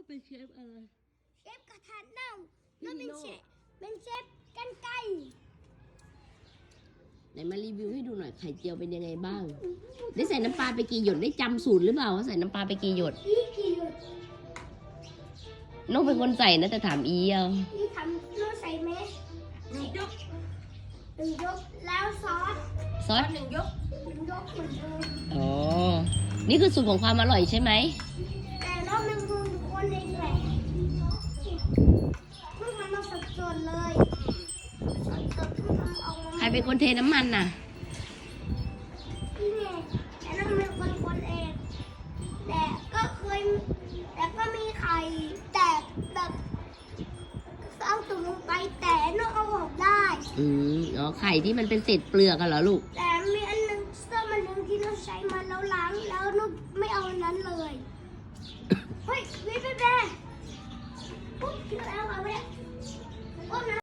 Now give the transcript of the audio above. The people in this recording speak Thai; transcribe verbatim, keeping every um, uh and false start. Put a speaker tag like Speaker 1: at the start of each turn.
Speaker 1: เป็นเชฟอะไร
Speaker 2: เชฟกระทะเน่าแล้วเป็นเชฟเป็นเชฟกันไก่
Speaker 1: ไหนมารีวิวให้ดูหน่อยไข่เจียวเป็นยังไงบ้างได้ใส่น้ำปลาไปกี่หยดได้จำสูตรหรือเปล่าว่าใส่น้ำปลาไปกี่หยด
Speaker 2: อีกี่หยด
Speaker 1: น้องเป็นคนใส่นะแต่ถามอีเอา
Speaker 2: อีทำน้องใส่ไหมหนึ่งยกหนึ่งยกแล้วซอส
Speaker 1: ซอส
Speaker 2: หนึ่งยกหนึ่งยกเหมือนเดิม
Speaker 1: อ๋อนี่คือสูตรของความอร่อยใช่ไหม
Speaker 2: แต่น้องเป็นคนเองแหละเพิ่งทำมาสดๆเลยสดๆเพิ่งทำออกมา
Speaker 1: ใครเป็นคนเทน้ำมันน่ะ
Speaker 2: พี่เมย์แต่น้องเป็นคนคนเองแต่ก็เคยแต่ก็มีไข่แต่แบบเอาตุ่มลงไปแต่น้องเอาออกได้
Speaker 1: อืมอ๋อไข่ที่มันเป็นเศษเปลือกกันเหรอลูก
Speaker 2: แต่มีอันนึงเสื้อมันนึงที่เราใช้มาแล้วล้างแล้วนุ๊กไม่เอาอันนั้นเลยเฮ้ยวิบแบปุ๊บแล้วเอาไว้ปุ๊บนะ